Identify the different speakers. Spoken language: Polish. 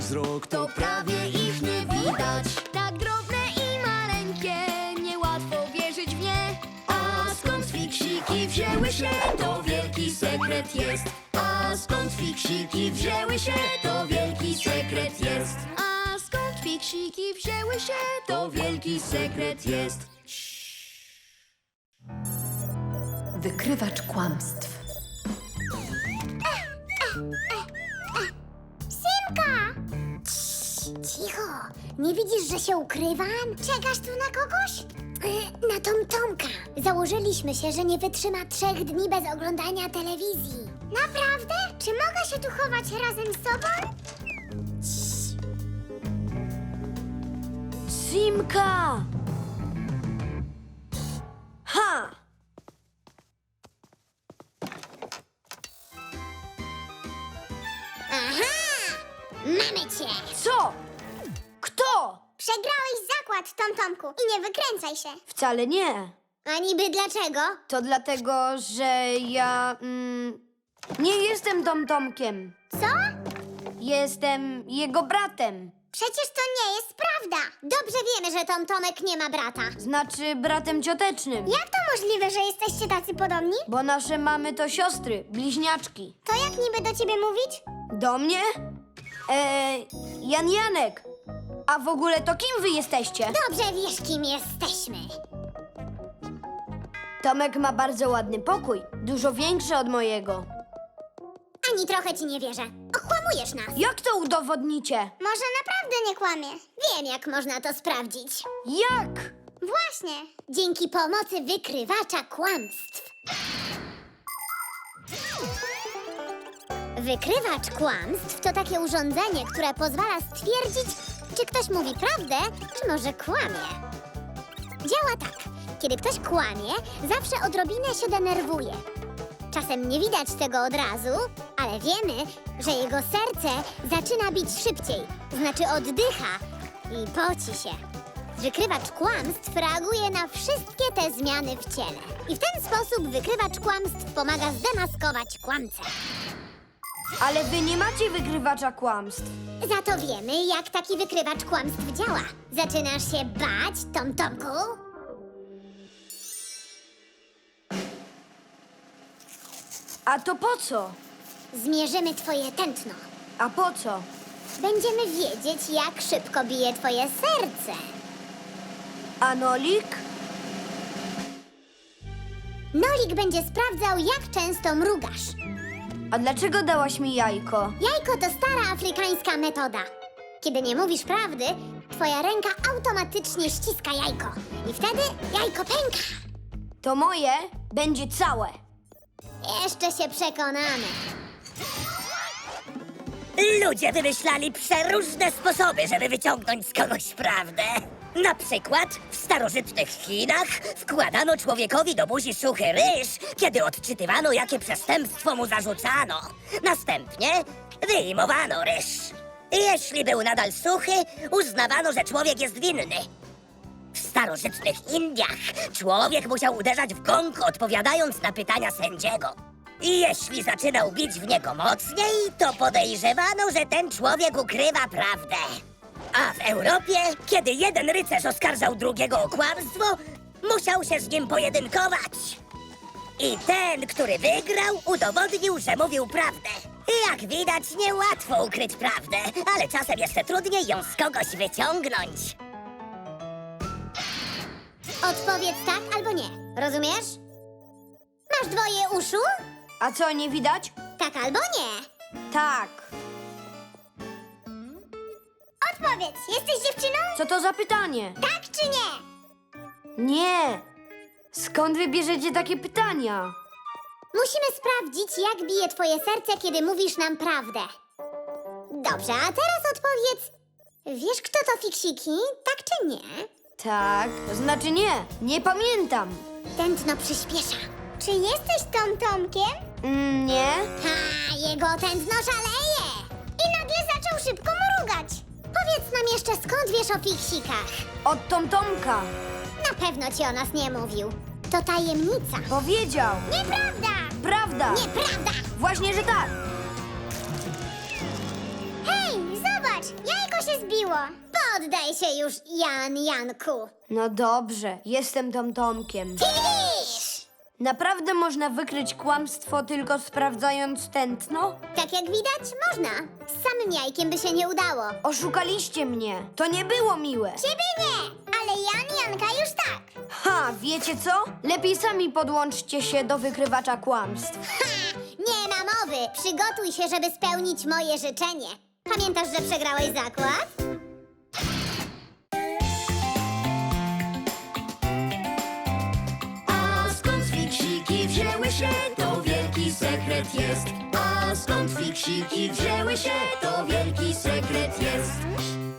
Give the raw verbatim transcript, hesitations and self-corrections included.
Speaker 1: wzrok, to prawie ich nie widać.
Speaker 2: Tak drobne i maleńkie, niełatwo wierzyć w nie.
Speaker 1: A skąd fiksiki wzięły się, to wielki sekret jest. A skąd fiksiki wzięły się, to wielki sekret jest.
Speaker 2: A skąd fiksiki wzięły się,
Speaker 1: To wielki sekret jest.
Speaker 3: Wykrywacz kłamstw.
Speaker 4: Simka! Cii, cicho! Nie widzisz, że się ukrywam? Czekasz tu na kogoś? Y, Na Tomtomka. Założyliśmy się, że nie wytrzyma trzech dni bez oglądania telewizji. Naprawdę? Czy mogę się tu chować razem z tobą?
Speaker 2: Simka! Ha!
Speaker 4: Aha! Mamy cię!
Speaker 2: Co? Kto?
Speaker 4: Przegrałeś zakład, Tomtomku, i nie wykręcaj się.
Speaker 2: Wcale nie.
Speaker 4: A niby dlaczego?
Speaker 2: To dlatego, że ja mm, nie jestem Tomtomkiem.
Speaker 4: Co?
Speaker 2: Jestem jego bratem.
Speaker 4: Przecież to nie jest prawda. Dobrze wiemy, że Tomtomek nie ma brata.
Speaker 2: Znaczy bratem ciotecznym.
Speaker 4: Jak to możliwe, że jesteście tacy podobni?
Speaker 2: Bo nasze mamy to siostry, bliźniaczki.
Speaker 4: To jak niby do ciebie mówić?
Speaker 2: Do mnie? Eee, Jan Janek. A w ogóle to kim wy jesteście?
Speaker 4: Dobrze wiesz, kim jesteśmy.
Speaker 2: Tomek ma bardzo ładny pokój. Dużo większy od mojego.
Speaker 4: Ani trochę ci nie wierzę. Okłamujesz nas.
Speaker 2: Jak to udowodnicie?
Speaker 4: Może naprawdę nie kłamie. Wiem, jak można to sprawdzić.
Speaker 2: Jak?
Speaker 4: Właśnie. Dzięki pomocy wykrywacza kłamstw. Wykrywacz kłamstw to takie urządzenie, które pozwala stwierdzić, czy ktoś mówi prawdę, czy może kłamie. Działa tak. Kiedy ktoś kłamie, zawsze odrobinę się denerwuje. Czasem nie widać tego od razu, ale wiemy, że jego serce zaczyna bić szybciej, znaczy oddycha i poci się. Wykrywacz kłamstw reaguje na wszystkie te zmiany w ciele. I w ten sposób wykrywacz kłamstw pomaga zdemaskować kłamcę.
Speaker 2: Ale wy nie macie wykrywacza kłamstw.
Speaker 4: Za to wiemy, jak taki wykrywacz kłamstw działa. Zaczynasz się bać, Tomtomku?
Speaker 2: A to po co?
Speaker 4: Zmierzymy twoje tętno.
Speaker 2: A po co?
Speaker 4: Będziemy wiedzieć, jak szybko bije twoje serce.
Speaker 2: A Nolik?
Speaker 4: Nolik będzie sprawdzał, jak często mrugasz.
Speaker 2: A dlaczego dałaś mi jajko?
Speaker 4: Jajko to stara afrykańska metoda. Kiedy nie mówisz prawdy, twoja ręka automatycznie ściska jajko. I wtedy jajko pęka.
Speaker 2: To moje będzie całe.
Speaker 4: Jeszcze się przekonamy.
Speaker 5: Ludzie wymyślali przeróżne sposoby, żeby wyciągnąć z kogoś prawdę. Na przykład w starożytnych Chinach wkładano człowiekowi do buzi suchy ryż, kiedy odczytywano, jakie przestępstwo mu zarzucano. Następnie wyjmowano ryż. Jeśli był nadal suchy, uznawano, że człowiek jest winny. W starożytnych Indiach człowiek musiał uderzać w gong, odpowiadając na pytania sędziego. I jeśli zaczynał bić w niego mocniej, to podejrzewano, że ten człowiek ukrywa prawdę. A w Europie, kiedy jeden rycerz oskarżał drugiego o kłamstwo, musiał się z nim pojedynkować. I ten, który wygrał, udowodnił, że mówił prawdę. Jak widać, niełatwo ukryć prawdę, ale czasem jeszcze trudniej ją z kogoś wyciągnąć.
Speaker 4: Odpowiedz tak albo nie. Rozumiesz? Masz dwoje uszu?
Speaker 2: A co, nie widać?
Speaker 4: Tak albo nie.
Speaker 2: Tak.
Speaker 4: Odpowiedz, jesteś dziewczyną?
Speaker 2: Co to za pytanie?
Speaker 4: Tak czy nie?
Speaker 2: Nie. Skąd wy bierzecie takie pytania?
Speaker 4: Musimy sprawdzić, jak bije twoje serce, kiedy mówisz nam prawdę. Dobrze, a teraz odpowiedz. Wiesz, kto to fiksiki? Tak czy nie?
Speaker 2: Tak, to znaczy nie. Nie pamiętam.
Speaker 4: Tętno przyspiesza. Czy jesteś Tomtomkiem?
Speaker 2: Mm, nie.
Speaker 4: Ha, jego tętno szaleje! I nagle zaczął szybko mrugać. Powiedz nam jeszcze, skąd wiesz o fiksikach?
Speaker 2: Od Tomtomka.
Speaker 4: Na pewno ci o nas nie mówił. To tajemnica.
Speaker 2: Powiedział.
Speaker 4: Nieprawda!
Speaker 2: Prawda.
Speaker 4: Nieprawda!
Speaker 2: Właśnie, że tak.
Speaker 4: Hej, zobacz! Jajko się zbiło. Poddaj się już, Jan Janku.
Speaker 2: No dobrze, jestem Tom Tomkiem.
Speaker 4: Fisz!
Speaker 2: Naprawdę można wykryć kłamstwo tylko sprawdzając tętno?
Speaker 4: Tak jak widać, można. Z samym jajkiem by się nie udało.
Speaker 2: Oszukaliście mnie. To nie było miłe.
Speaker 4: Ciebie nie, ale Jan Janka już tak.
Speaker 2: Ha, wiecie co? Lepiej sami podłączcie się do wykrywacza kłamstw.
Speaker 4: Ha! Nie ma mowy. Przygotuj się, żeby spełnić moje życzenie. Pamiętasz, że przegrałeś zakład?
Speaker 1: A skąd fiksiki wzięły się, to wielki sekret jest. A skąd fiksiki wzięły się, to wielki sekret jest.